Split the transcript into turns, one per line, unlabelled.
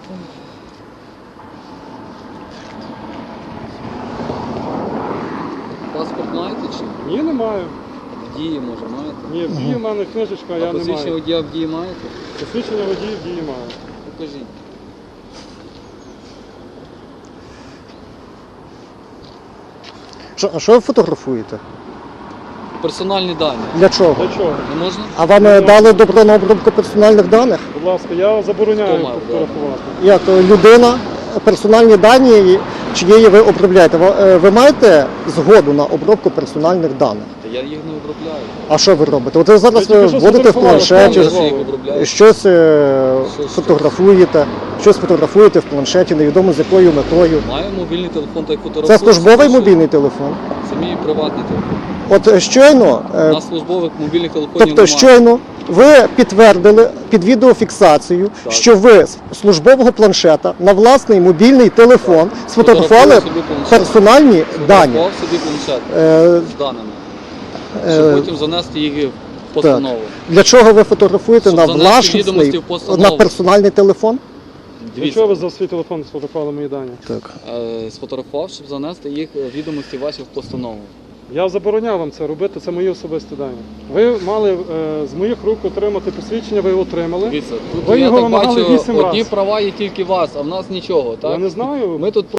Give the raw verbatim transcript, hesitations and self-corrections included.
Паспорт маєте чи?
Ні, не маю.
В дії, може, маєте?
Ні, в дії в мене книжечка,
А
я не
посвідчення
маю.
водія в дії маєте?
Посвідчення водія в дії маю.
Покажіть.
Що, а що ви фотографуєте?
Персональні дані.
Для чого?
Для чого?
Не можна?
А вам е, дали добро на обробку персональних даних?
Будь ласка, я забороняю
Хто мав,
фотографувати.
Як е, людина, персональні дані чиєї ви обробляєте? Ви, е, ви маєте згоду на обробку персональних даних?
Та я їх не обробляю.
А що ви робите? От ви зараз
Ви тільки
ви
що
вводите в
сфотографували,
планшеті,
Я
що
ж їх обробляю.
щось е,
Що, що?
фотографуєте, щось фотографуєте в планшеті, невідомо з якою метою.
Маю мобільний телефон та й
Це
фотографую.
службовий
Що?
мобільний телефон.
Це мій приватний телефон.
От е, щойно,
У
е,
нас службових мобільних телефонів
тобто
немає.
щойно ви підтвердили під відеофіксацією,
Так.
що ви з службового планшета на власний мобільний телефон сфотографували
Фотографую собі планшет.
персональні дані.
Сфотографував собі планшет
Е,
з даними.
е,
Щоб потім занести їх в постанову.
Для чого ви фотографуєте
Щоб
на
занести відомості
власний,
в постанову.
на персональний телефон?
Для
Дивіться,
чого ви за свій телефон сфотографували мої дані?
Так.
е, сфотографував, щоб занести їх е, відомості ваші в постанову.
Я забороняв вам це робити, це мої особисті дані. Ви мали е, з моїх рук отримати посвідчення, ви його отримали.
Дивіться, тут
Ви
я
його
так
вимагали
бачу,
вісім
одні
раз.
права є тільки у вас, а в нас нічого, так?
Я не знаю.
Ми тут